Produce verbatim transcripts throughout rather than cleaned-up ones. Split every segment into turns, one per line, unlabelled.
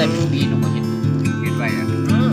ได้เป็นปีหนูก็เห็นเห็นไปอ่ะ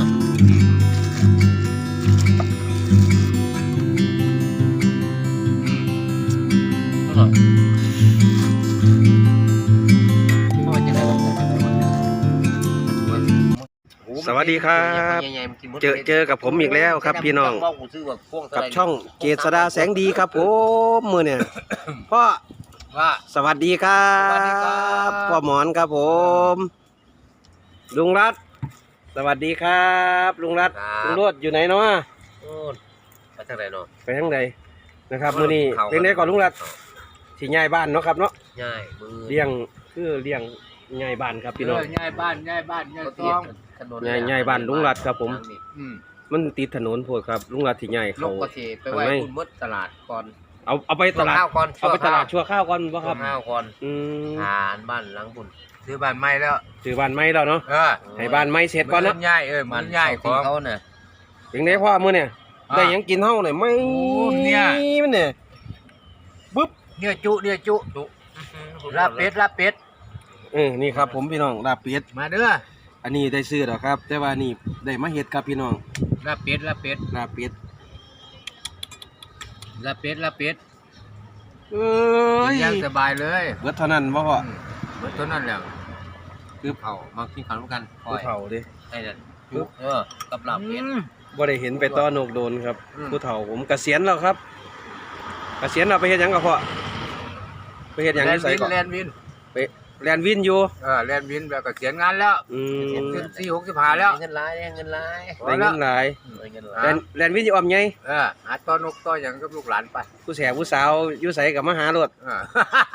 สวัสดีครับเจอเจอกับผมอีกแล้วครับพี่น้องกับช่องเจษฎาแสงดีครับผมมือเนี่ยพ่อสวัสดีครับพ่อหมอนครับผมลุงรัตสวัสดีครับลุงรัตลุงรวดอยู่ไหนเนาะ
ไปทางไหนเนาะ
ไปทางใดนะครับมือนี้เป็นไงก่อนลุงรัตที่ย้ายบ้านเนาะครับเนาะ
ย้ายมือ
เลี้ยงคือเลี้ยงย้ายบ้านครับพี่น้อง
ย้ายบ้านย้ายบ้านย้ายซอง
ย้ายย้ายบ้านลุงรัตครับผมมันติดถนนพวกครับลุงรัตที่ย้ายเขา
ก็สิไปไว้คุณมดตลาดก่อน
เอาเอาไปตลาดเอาไปตลาดชั่วข้าวก่อนบ่ครับ
ข้าวก่อน
อืม
ทานบ้านหลังบุญซื้อบ้านใหม่แล้ว
ซื้อบ้านใหม่แล้วเนาะ
เออ
ให้บ้านใหม่เสร็จก่อนเนาะ
ย้ายเออมันย้ายของเขาเนี่ย
ถึงได้พ่อมื้อเนี่ยได้หยังกินเฮาเนี่ยไม่
เนี่ย
มันเนี่ยปึ๊บ
เนื้อจุเนื้อจุจุลาบเป็ดลาบเป็ด
เออนี่ครับผมพี่น้องลาบเป็ด
มาเด้อ
อันนี้ได้ซื้อแล้วครับแต่ว่านี่ได้มาเฮ็ดครับพี่น้อง
ลาบเป็ดลาบเป็ด
ลาบเป็ด
ลาบเป็ดลาบเป็ด
เอ้ย
ยังสบายเลย
เบิดเท่านั้นบ่พ่อ
เบิดเท่านั้นแหละคือเผามากินข้าวกัน
คือเผาดิ
ไอ้นั่นเออกับลาบเป็ด
บ่ได้เห็นไปต้อนกโดนครับผู้เฒ่าผมเกษียณแล้วครับเกษียณแล้วไปเฮ็ดหยังกับพ่อไปเฮ็ดหยังที่ไสก่อน
แลนวิน
ไปแลนวินอยู่
เออแลนวินแบบเกษียณงานแล้ว
อืม
สี่หกสิบห้าแล้วเงินหลายเงินหลาย
ได้เงินหลายแลนแลนวินอยู่อ้อมใหญ่
เออหาต้อนนกต้อหยังกับลูกหลานไป
ผู้แสบผู้สาวอยู่ไสกับมาหารถ
เออ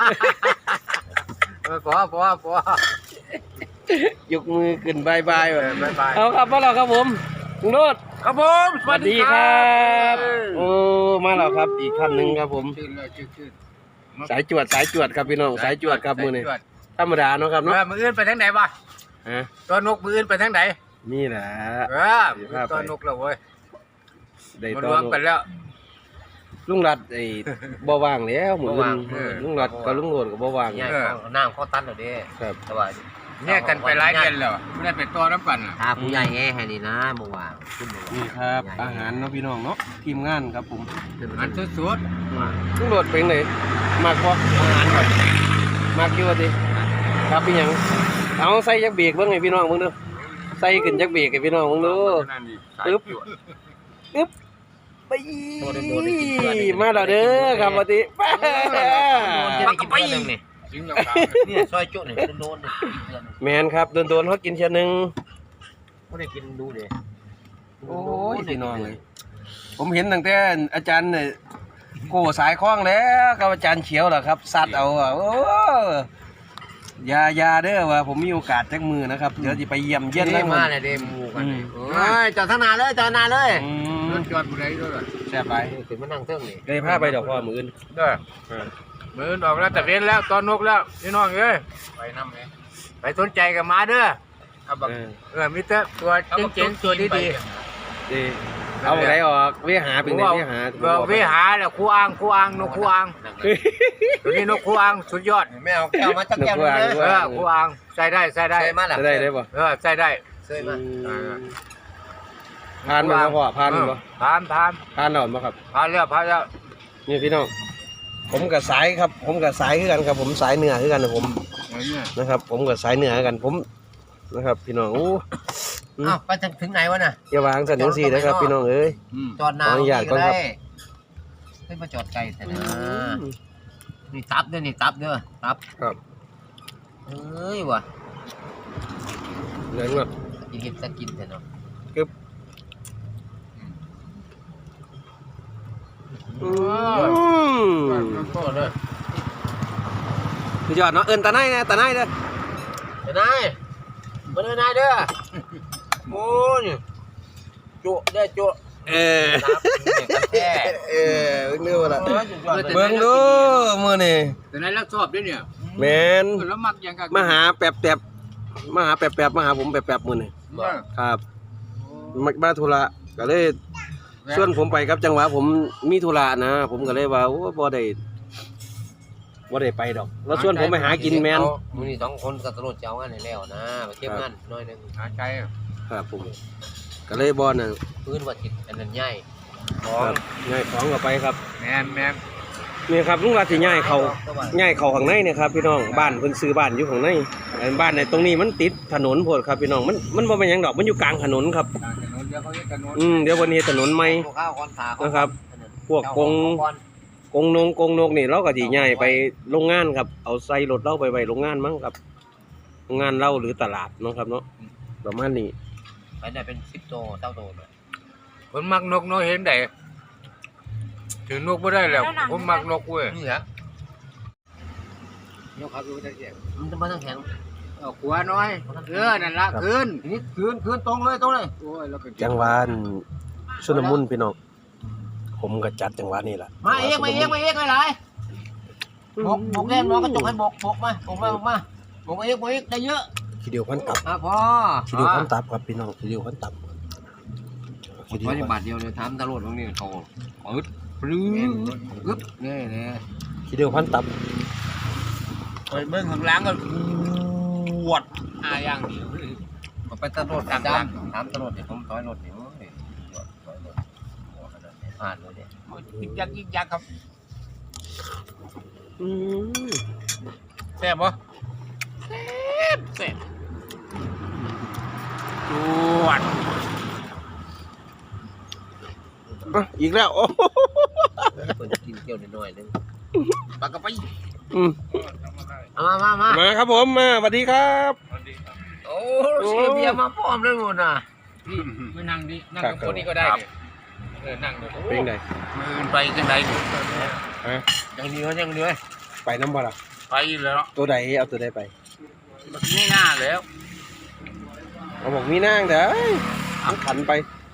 เออพอพอพ
อยกมือขึ้นบายบายแบบ
บายบาย
เอาครับพ่อเราครับผมลุงโรด
ครับผม
สวัสดีครับโอ้มาแล้วครับอีกท่านหนึ่งครับผมสายจวดสายจวดครับพี่น้องสายจวดครับมือนี่ธรรมดาเนาะครับเนาะ
มืออื่นไปทางไหนวะตัวนกมืออื่นไปทางไหน
นี่แหละ
เออตัวนกแล้วเว้ย
ได้
ตัวนกกันแล้ว
ลุงรัดไอ้บ่ว่างแล้วหมุนลุงรัดกับลุงโรดกับบ่ว่าง
น้ำข้อตันเหรอเด้
ครับ
สบายเนี่ยกันไปหลายเดือนแล้วไม่ได้ไปตัวน้ำปั่นอ่ะผู้ใหญ่แง่ให้ดีนะเมื่อวาน
นี่ครับอาหารเนาะพี่น้องเนาะทีมงานครับผม
อันสุดสุด
ลุงโรดเป็นไหนมากพออาหารก่อนมากอยู่ดิครับพี่ยังเอาใส่ยักเบรกเบิ่งให้พี่น้องมึงดูใส่ขึ้นยักเบรกให้พี่น้องมึงดูปึ๊บปึ๊บไปมาแล้วเด้อครับปกติ
มากับไปนี่ซอยจุนี่โดน
แมนครับโดนๆเขากินเชียนึง
ไม่ได้กินดูดิ
โอ้ยพี่น้องเลยผมเห็นตั้งแต่อาจารย์เนี่ยโก้สายคล้องแล้วกับอาจารย์เขียวเหรอครับซัดเอาอ่ะโอ้ยายาเด้อว่าผมมีโอกาสจักมือนะครับเดี๋ยวจะไปเยี่ยมเยี่ยน
แล้วมาเลยเดมูกันเฮ้ยจอดทนาเลยจอดนาเลยรถจอดบุรีด้วย
แซ่บไป
ถึงมานั่งเทิงนี่
ได้ผ้าไปดอกพ่อมืออื่น
เด้อมืออื่นออกแล้วแต่เว้นแล้วตอนนกแล้วพี่น้องเอ้ยไปน้ำเลยไปสนใจกับมาเด้อเออมิเตอร์ตัวเจ๋งๆตัวดีดี
เอาอะไรออกเวหาเป็นไงเวหา
เวหาแล้วคู่อ่างคู่อ่างนกคู่อ่างตัวนี้นกคู่อ่างสุดยอดไม่เอาแก้วมาจักแก้วเลยเออคู่อ่างใส่ได้ใส่ได้
ใส่ได้ได้ป่ะ
เออใส่ได้ใส่มา
ผ่านมาพ่อผ่านมา
ผ่านผ่าน
ผ่านหน่อยมาครับ
ผ่านแล้วผ่านแล้ว
นี่พี่น้องผมกับสายครับผมกับสายคือกันครับผมสายเหนือคือกันนะผมนะครับผมกับสายเหนือกันผมนะครับพี่น้องอู้
อ้าวไปถึงไหนวะน่ะ
อย่าวางสันนิษฐานนะครับพี่น้องเอ้ย
จอดนานก็ได้ให้มาจอดไกลแต่นะนี่ตับด้วยนี่ตับด้วยตับ
ครับ
เฮ้ยว่ะ
เนื้อแบบ
กินกินจะกินแต่เนาะ
กึบอืมคือยอดเนาะเอิญตาไนนะตาไนเด้อ
ตาไนมาเด้อนายเด้อโอ้ยจุได้จุ
เออเออเนื้อละเบิ่งดูมือนี่
แต่นายรักชอบด้วยเนี่ย
แมนมาหาแป๊บแป๊บมาหาแป๊บแป๊บมาหาผมแป๊บแป๊บมือนี่ครับมาธุระก็เลยส่วนผมไปครับจังหวะผมมีธุระนะผมก็เลยว่าโอ้บ่ได้บบ่ได้ไปดอกแล้วส่วนผมไปหากินแมน
มือนี่สองคนกับตำรวจจะเอางานไหนแล้วนะไปเก็บงานน้อยหนึง
หาใจ
ครับผมก็เลยบ่น่ะ
พื้นวัดจิตอันนั้นใหญ่
ครับย้ายของก็ไปครับ
แมนแมน
นี่ครับลุงรัฐสิย้ายเขาย้ายเขาข้างในเนี่ยครับพี่น้องบ้านเพิ่นซื้อบ้านอยู่ข้างในอันบ้านในตรงนี้มันติดถนนโพดครับพี่น้องมันมันบ่เป็นหยังดอกมันอยู่กลางถนนครับ
ทางถนนเดี๋ยวเขาเรียกถนน
อืมเดี๋ยววันนี้ถนนใหม่
ข้าวคอนขา
นะครับ พวกกงกงนงกงนกนี่เราก็สิย้ายไปโรงงานครับเอาใส่รถเราไปไว้โรงงานมั้งครับโรงงานเราหรือตลาดเนาะครับเนาะประมาณนี้
ไปได้เป็นสิบโตเต้าโตเลย
คนมักนกน้อยเห็นได้ถือนกไม่ได้แล้วคนมักนกเว้ย
นี่แหละ
นกเขาคือจะเสียง
มันจะมาทั้งแข็ง
เอาขวาน้อยเออนั่นละขึ้น
นี่คืนคืนตรงเลยตรงเลย
โอ้ยแล้วก็
จังหวะชุนมุนพี่น้องผมก็จัดจังหวะนี้ล่ะ
มาเองมาเองมาเองไม่ไรบกบกแน่น้องกระจกให้บกบกมาบกมาบกมาบกเองบกเองได้เยอะ
ทีเดียวพันตับ
อ่ะพอ
ทีเดียวพันตับครับพี่น้องทีเดียวพันตับทีเดียว
ร้อย
พัน
บาทเดียวเลยถามตำรวจตรงนี้เขาอึดปลื้มอึดนี่นี่
ทีเดียวพันตับ
ไปเบิ้งข้างหล่างก็ปวดอาอย่างเดียว
ไปตำรวจจับถามตำรวจเดี๋ยวผมถอยรถเดี๋ยวผ่านเลยเนี่ย
ยิกยักยิกยักครับ
อืม
แซ่บปะแซ่บแซ่บปวด
อ่ะอีกแล้วโอ้
เปิดกินเกี่ยวน้อยนึง
ปากกระไป
อืม
เอามามามา
มาครับผมมาสวัสดีครับ
โอ้เสียเบียร์มาพร้อมเลยหมดน่ะ
นี่ไม่นั่งดินั่งกับคนนี้ก็ได้เนี่ยเออนั่งเลย
เป็นไง
มือไปจังไดนี่
ฮะ
ยังดีวะยังดีวะ
ไปน้ำบ่ล่ะ
ไปแล้ว
ตัวใดเอาตัวใดไป
ไม่น่าแล้ว
เอาบอกมีนางเด้อเอาขันไป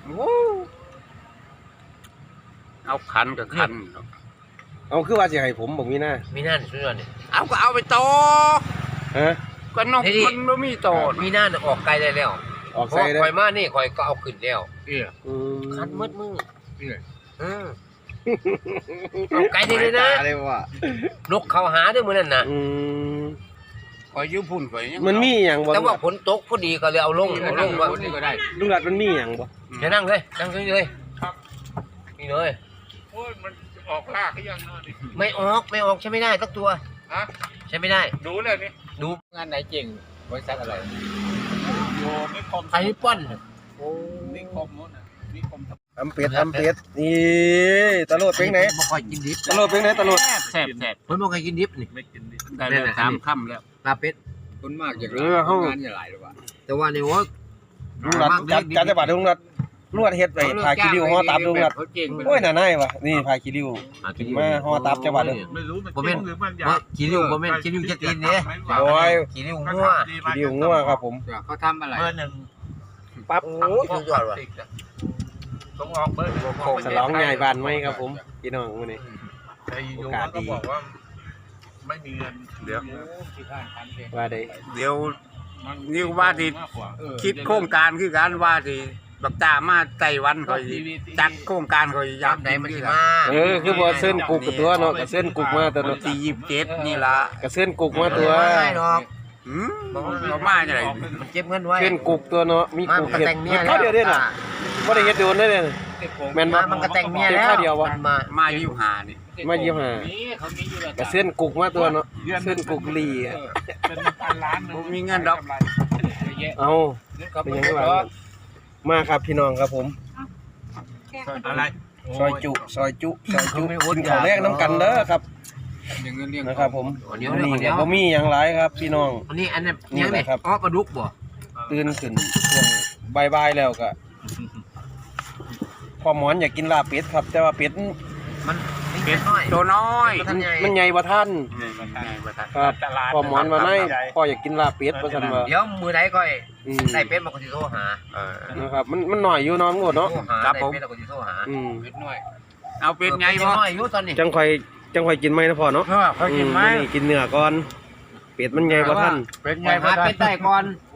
เอาขันกับขัน
เอาคือว่าสิให้ผมบอกมีหน้า
มีนั่นช่วยหน่อย
เอาก็เอาไปโต
ฮะ
ก็นกมันไม่มีโต
มีนั่นออกไกลได้แล้ว
ออก
เพ
ใส่
ราะ
ได้
คอยมานี่คอยก็เอาขึ้นแล้ว
เอี่ย
อืม
คันมืดมือ
เอี่ย
เออเอาไกลได้เลยนะ
ตาเลยว่ะ
นกเขาหาด้วยมือนั่นน่ะ
อืม
คอยยืมพุ่นคอยยัง
มันมีอย่างบ่
แต่ว่าฝนตกพอดีก็เลยเอาลง
เอา
เอา
ล
ล
ง
ง
ว่า
ว่า
นี่ก็ได้
ลุงรัดมันมีอย่างบ่
จะนั่งเลยนั่งเลยนี่เลย
โอ้ยมันออกลากยังนอนดิ
ไม่ออกไม่ออกใช้ไม่ได้สักตัว
ฮะ
ใช้ไม่ได้
ดูเลยนี่
ดู
งานไหนเก่งบริษัทอะไรโยนิคม
ไอ้ป้อน
โอ้นิคมนู้นน่ะนิคม
ทำเป็ดทำเป็ดนี่ตะโลดเป็นไหน
บ่ค่อยกินดิบ
ตะโลดเป็นไหนตะโลด
แซ่บแซ่บแซ่บ
เพิ่นบ่ค่อยกินดิบนี่
ไม่กินดิได้แล้วสามค่ำแล้ว
ลาเป็ด
คนมากอย่าง
เออเฮาง
านอย่าหลายหรอกว่า
แต่ว่านี่โอ้
ลุงรัดจัดจัดจังหวัดลุงรัดลุงรัดเฮ็ดไปพาคิริวห่อตับลุงรัด
เขาเก่งไป
โอ้ยน่าหนายวะนี่พาคิริวขึ้นมาห่อตับจังหวัดเลย
ไม่รู้มัน
บ่แม่น
หรือมันอยา
บ่
ก
กินริ้วบ่แม่นกินริ้วจะตีนเด้
โอ้ย
กินริ้วงัว
คิริวงัวครับผม
เขาทำอะไรเบอร์หนึ่ง
ปั๊บ
โอ้ยสุดยอดว่ะ
ต้องออกเบอร์หนึ่ง
โคกฉลองใหญ่บ้านไหมครับผมพี่น้องมื้อนี้
ไอ้ยูมันก็บอกว่าไม่มีเงินเดี๋ยว
ว่าได้
เดี๋ยวนี่ว่าที่คิดโครงการคือการว่าที่บักตามาไต้หวันคอยจัดโครงการคอยยาม
ไหนมันสิมา
เออคือบ่เส้นกุกกับตัวเนาะก็เส้นกุกมาตัวเนาะ
ที่ยี่สิบเจ็ดนี่ละ
ก็เส้นกุกมาตัว
ไม่ดอก
หืมเรามาจะไหน
มันเก็บเงินไว้
เส้นกุกตัวเนาะมี
มา
กุ
มั
ก
นก็
เห็ด
แต่งเมีย
เห็ด
แล้
ข้าว วเดียวเด้น่ะบ่ได้เฮ็ดโดนได้เด้แม่นบ่
มามันก็แต่งเมียแล้ว
ข้าวเดียววะ
มันมา
มาอยู่หานี่
มายี่ห้าก็เส้นกุกมาตัวเนาะเส้นกุกลีอะ
เป็นพันล้าน
ผมมีเงินดอก
เอาเป็นยังไงบ้างมาครับพี่น้องครับผม
อะไร
ซอยจุซอยจุซอยจุกินข้าวแรกน้ำกันเด้อครับ
เงินเลี้ยง
นะครับผม
เดี๋ยว
นี่
เดี๋ยว
ก็บ่มีหยังหลายครับ พี่น้อง
อันนี้อันนี้
นี่
ยัง
แห
นี่
ละครับ
อ๋อปลาดุกบ่
ตื่นขึ้นช่วงบ่ายๆแล้วก็พอหมอนอยากกินลาบเป็ดครับ แต่ว่าเป็ด
มันเป็ดน้อย
ตัวน้อย
ท่านใหญ่
มันใหญ่กว่าท่าน
ไงประธาน
ครับพอหมอนมาในพ่ออยากกินลาบเป็ดว่าซั่นว่า
เดี๋ยวมือใดก่อย
อืม
ได้เป็ดมาก็สิโทรหา
เออ
นะครับมันมันหน่อยอยู่เน้องงดเนาะ
โทรหา
ครับ
ได้
ผม
เป็ดแล้วก็สิโทรหา
อืม
เป็ดน้อย เอาเป็ดไง
บ่
บ่
น้อยอยู่ตอนนี้
จังค่อยจังค่อยกินไหมนะพ่อเนาะ
เออเขากินไหม
อืนี่กินเนื้อก่อนเป็ดมันใหญ่กว่าท่าน
เป็ด
ป
ไง
ล่อย
บ่
หา
ได้
เป็ดได้ก่อน
โอ้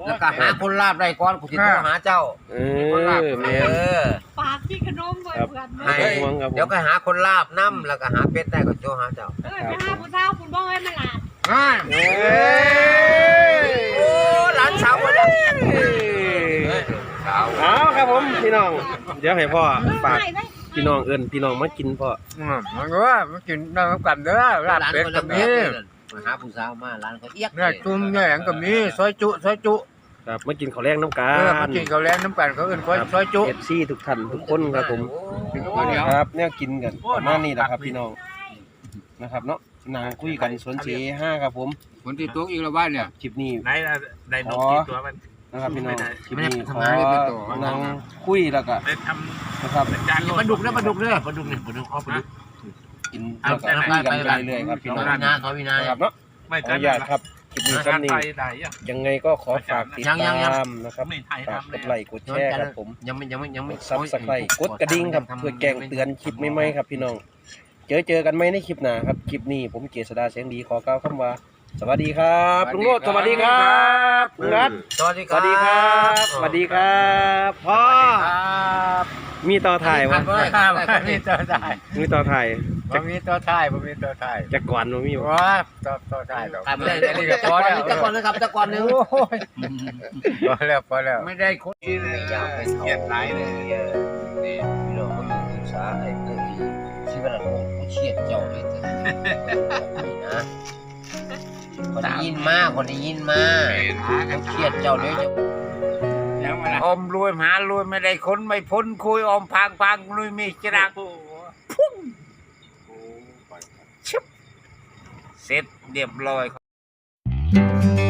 แล้วก็หาคนลาบได้ก่อนกูสิโทรหาเจ้า
เออแม่
เออ
ปากที่ขนมเบิดเบิด
ไม่ต้องห่วงครับผม
เดี๋ยวก็หาคนลาบน้ำแล้วก็หาเป็ดได้ก็โทรหาเจ้า
เออไปหาผู้สาวคุณบ่ให้มาหลาด
อ่า
เอ้ย
โอ้หลานสาวมาแล้ว
สาว
เอาครับผมพี่น้องเดี๋ยวให้พ่อฝาก
ไปไป
พี่น้องเอิ้นพี่น้องมากินพ่อ
อืมมันก็ว่ามันกินน้ำกันเด้อลาบ
หลาน
เป็ด
คน
ก็
ละแบ
มี
บมาหาผู้สาวมาหลานเขาเอียก
เนื้อจุ่มเนื้อหยังก็มีซอยจุซอยจุ
ครับมากินข้าวแรงน้ำกั
เออมาน กินข้าวแลงน้ำกันเขาเอื่นซอยซอยจุ
เอฟซีทุกท่านทุกคนครับผม ครับแนวกินกันประมาณนี้แหละครับพี่น้องนะครับเนาะนางคุยกันสวนเสห้าครับผม
คนที่ตัวอีกแล้วบ้านเนี่ย
คลิปนี้
ไหนได้นกกี่ตัวมัน
นะครับพี่น้องคลิปนี้ข
ทำ
อง
านให้เป็นตัว
นางคุยแล้วก็
ได้ท
นะครับ
ำจาน
ปลาดุกนะปลาดุกเนี่ยปลาดุกเนี่ยปลาดุกเอาปลาดุก
กินแล้วก็คุยกันไปเรื่อยๆครับพี่น้อง
วินาเขาวินา
นะครับเนาะ
ไม่
ขออนุญาตครับคลิปนี้
ทา
ซ้ำ
น
นี้
ไทยได้ยัง
ยังไงก็ขอฝากติดตามนะครับ
ไม่ไทย
ฝาก
ทำ
กดไลค์กดแชร์ครับผม
ยังไม่ยังไม่ยัง
ก
ไม่
ดซับสไครต์กดกระดิ่งครับเพื่อแจ้งเตือนคลิปใหม่ๆครับพี่น้องเจอเจอกันไหมในคลิปหน้าครับคลิปนี้ผมเกษดาเสียงดีขอกล่าวคำว่า สวัสดีครับลุงโรจน์สวัสดีครับลุงรัต
สวัสดี
สวัสดีครับสวัสดีครับพ่อ
ครับ
มีต่อถ่ายวะ
ครับมีตัวถ่าย
มีต่อถ่าย
บ่มีตัวถ่ายบ่มีตัวถ่าย
จากก่อนบ่มีบ่
ว้าตัวตัวถ่ายดอก
ถ่ายไม่ได้
อันนี้ก็พอแล้ว
ตะกอนนะครับตะกอนนึง
โอ้ยพอแล้วพอแล้ว
ไม่ได้คนที่อยากไป
เกียดหลายเลย
นี่พี่น้องเขาอยู่ศึกษาไอ้เรื่องชีวิตเราเขาเชียดเจ้าเลยนะคนได้ยินมากคนได้ยินมากเขาเชียดเจ้าเลย
ยังไม่ละ
อมรวยหารวยไม่ได้คนไม่พ้นคุยอมพังพังลุยมีจรักพุ่งชึบเสร็จเรียบร้อย